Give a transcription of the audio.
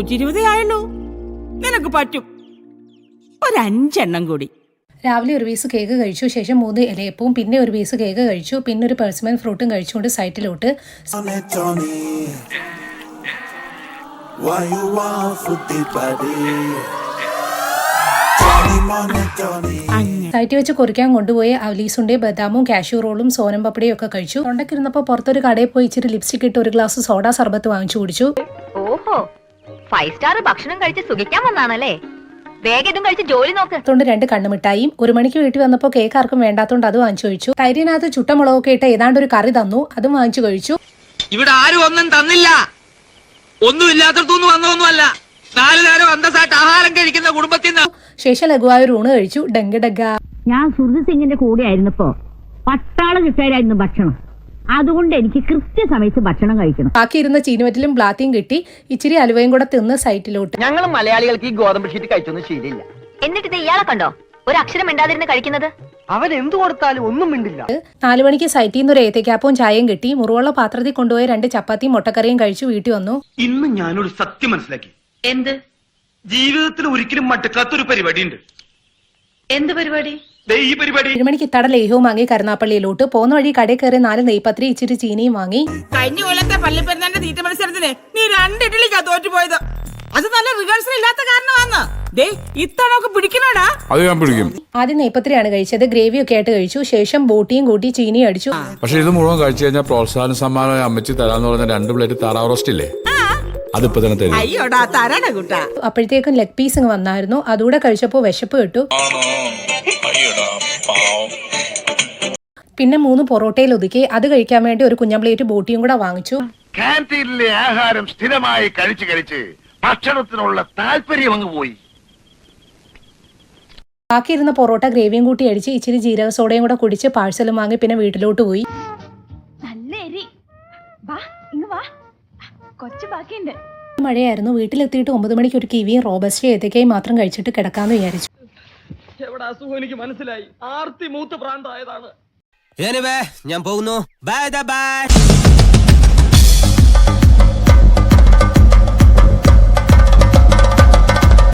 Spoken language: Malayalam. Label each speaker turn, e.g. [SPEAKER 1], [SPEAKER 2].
[SPEAKER 1] 120 ആയുള്ളൂ. നിനക്ക് പറ്റും. ഒരു 5 എണ്ണം കൂടി.
[SPEAKER 2] രാവിലെ ഒരു പീസ് കേക്ക് കഴിച്ചു, ശേഷം 3 ഇലയപ്പവും പിന്നെ ഒരു പീസ് കേക്ക് കഴിച്ചു, പിന്നെ ഒരു പെർസിമൻ ഫ്രൂട്ടും കഴിച്ചുകൊണ്ട് സൈറ്റിലോട്ട്. സൈറ്റിൽ വെച്ച് കുറിക്കാൻ കൊണ്ടുപോയി അവലീസുണ്ടെ ബദാമും കാഷ്യൂ റോളും സോനം പപ്പടിയും ഒക്കെ കഴിച്ചു. തൊണ്ടക്കിരുന്നപ്പോ പുറത്തൊരു കടയിൽ പോയി ഇച്ചിരി ലിപ്സ്റ്റിക് ഇട്ട് ഒരു ഗ്ലാസ് സോഡ സർബത്ത് വാങ്ങിച്ചു കുടിച്ചു.
[SPEAKER 3] ഓഹോ, 5 സ്റ്റാർ ഭക്ഷണം കഴിച്ച് സുഖിക്കാൻ വന്നാണല്ലേ? വേഗം കഴിച്ച് ജോലി നോക്ക്.
[SPEAKER 2] 2 കണ്ണുമിഠായും. 1 മണിക്ക് വീട്ടിൽ വന്നപ്പോൾ കേക്ക് ആർക്കും വേണ്ടാത്തോണ്ട് അത് വാങ്ങിച്ചു കഴിച്ചു. തൈരിനകത്ത് ചുട്ടമുളകൊക്കെ ഇട്ട് ഏതാണ്ട് ഒരു കറി തന്നു, അതും വാങ്ങിച്ചു കഴിച്ചു.
[SPEAKER 4] ഇവിടെ ആരും ഒന്നും തന്നില്ല, ഒന്നും ഇല്ലാത്തടത്തൊന്നും വന്നൊന്നുമല്ല. 4 നേരം അന്തസ്സായിട്ട് ആഹാരം കഴിക്കുന്ന കുടുംബത്തിൽ നിന്ന്.
[SPEAKER 2] ശേഷം ലഘുവായ ഒരു ഊണ് കഴിച്ചു. ഡങ്ക് ഡഗ.
[SPEAKER 5] ഞാൻ സുഹൃത് സിംഗിന്റെ കൂടെ ആയിരുന്നപ്പോ പട്ടാള കിട്ടായിരുന്നു ഭക്ഷണം, അതുകൊണ്ട് എനിക്ക് കൃത്യസമയത്ത് ഭക്ഷണം കഴിക്കണം.
[SPEAKER 2] ബാക്കി ഇരുന്ന ചീനുവറ്റിലും ബ്ലാത്തിയും കിട്ടി. ഇച്ചിരി അലുവയും കൂടെ തിന്ന് സൈറ്റിലോട്ട്.
[SPEAKER 6] ഞങ്ങൾ മലയാളികൾക്ക് ഈ ഗോതമ്പ് ഷീറ്റ് കഴിച്ചൊന്നും ശീലമില്ല.
[SPEAKER 3] എന്നിട്ട് ഇത് ഇയാളെ കണ്ടോ ഒരു അക്ഷരം മിണ്ടാതിരുന്ന് കഴിക്കുന്നത്?
[SPEAKER 6] അവൻ എന്തു കൊടുത്താലും ഒന്നും മിണ്ടില്ല.
[SPEAKER 2] 4 മണിക്ക് സൈറ്റിൽ നിന്ന് ഒരു ഏത്തക്കാപ്പവും ചായയും കിട്ടി. മുറിവുള്ള പാത്രത്തിൽ കൊണ്ടുപോയി 2 ചപ്പാത്തിയും മുട്ടക്കറിയും കഴിച്ചു വീട്ടിൽ വന്നു.
[SPEAKER 7] ഇന്ന് ഞാനൊരു സത്യം മനസ്സിലാക്കി.
[SPEAKER 3] എന്ത്?
[SPEAKER 7] ജീവിതത്തിൽ ഒരിക്കലും മടുക്കാത്തൊരു പരിപാടി ഉണ്ട്.
[SPEAKER 3] എന്ത് പരിപാടി?
[SPEAKER 7] ഈ പരിപാടി.
[SPEAKER 2] 7 മണിക്ക് ഇത്തട ലേഹവും വാങ്ങി കരുനാപ്പള്ളിയിലോട്ട്. പോകുന്ന വഴി കടയിൽ കയറി 4 നെയ്പത്രി ഇച്ചിരി ചീനിയും വാങ്ങി.
[SPEAKER 1] കഴിഞ്ഞ കൊല്ലത്തെ പള്ളിപ്പെരുന്നാളിന്റെ തീറ്റ മത്സരത്തിന് നീ 2 ഇഡ്ഡലിക്കാ തോറ്റുപോയത്. അത് നല്ല റിഹേഴ്സൽ ഇല്ലാത്ത കാരണമാന്ന്. ദേ ഇത്തവണ പിടിക്കണോടാ.
[SPEAKER 8] അത് ഞാൻ പിടിക്കും.
[SPEAKER 2] ആദ്യം നെയ്പത്രിയാണ് കഴിച്ചത്. ഗ്രേവി ഒക്കെ ആയിട്ട് കഴിച്ചു. ശേഷം ബോട്ടിയും കൂട്ടി ചീനിയും അടിച്ചു.
[SPEAKER 8] പക്ഷെ ഇത് മുഴുവൻ കഴിച്ചു കഴിഞ്ഞാൽ പ്രോത്സാഹന സമ്മാനമായി അമ്മച്ചി തരാന്ന് പറഞ്ഞ 2 പ്ലേറ്റ് താറാവ് റോസ്റ്റ് ഇല്ലേ, അതിപ്പോ തന്നെ തരും.
[SPEAKER 1] അയ്യോടാ തരണ കുട്ടാ.
[SPEAKER 2] അപ്പോഴത്തേക്കും ലെഗ് പീസ് വന്നായിരുന്നു. അതുകൂടെ കഴിച്ചപ്പോ വിശപ്പ് കിട്ടു. പിന്നെ 3 പൊറോട്ടയിൽ ഒതുക്കി. അത് കഴിക്കാൻ വേണ്ടി ഒരു കുഞ്ഞൻ പ്ലേറ്റ് ബോട്ടിയും കൂടെ വാങ്ങിച്ചു.
[SPEAKER 9] കാന്റീനിലെ ആഹാരം സ്ഥിരമായി കഴിച്ച് കഴിച്ച് ഭക്ഷണത്തിനുള്ള താല്പര്യം അങ്ങ് പോയി.
[SPEAKER 2] ബാക്കിയിരുന്ന പൊറോട്ട ഗ്രേവിയും കൂട്ടി അടിച്ച് ഇച്ചിരി ജീരക സോഡയും കൂടെ കുടിച്ച് പാഴ്സലും വാങ്ങി പിന്നെ വീട്ടിലോട്ട് പോയി. മഴയായിരുന്നു. വീട്ടിലെത്തിയിട്ട് 9 മണിക്ക് ഒരു കിവിയും റോബസ്റ്റ് ഏത്തക്കയും മാത്രം കഴിച്ചിട്ട് കിടക്കാന്ന് വിചാരിച്ചു.
[SPEAKER 7] എവിടെ അസുഖം എനിക്ക് മനസ്സിലായി. ആർത്തി മൂത്ത് പ്രാന്തായതാണ്.
[SPEAKER 4] ഞാൻ പോകുന്നു. Bye by.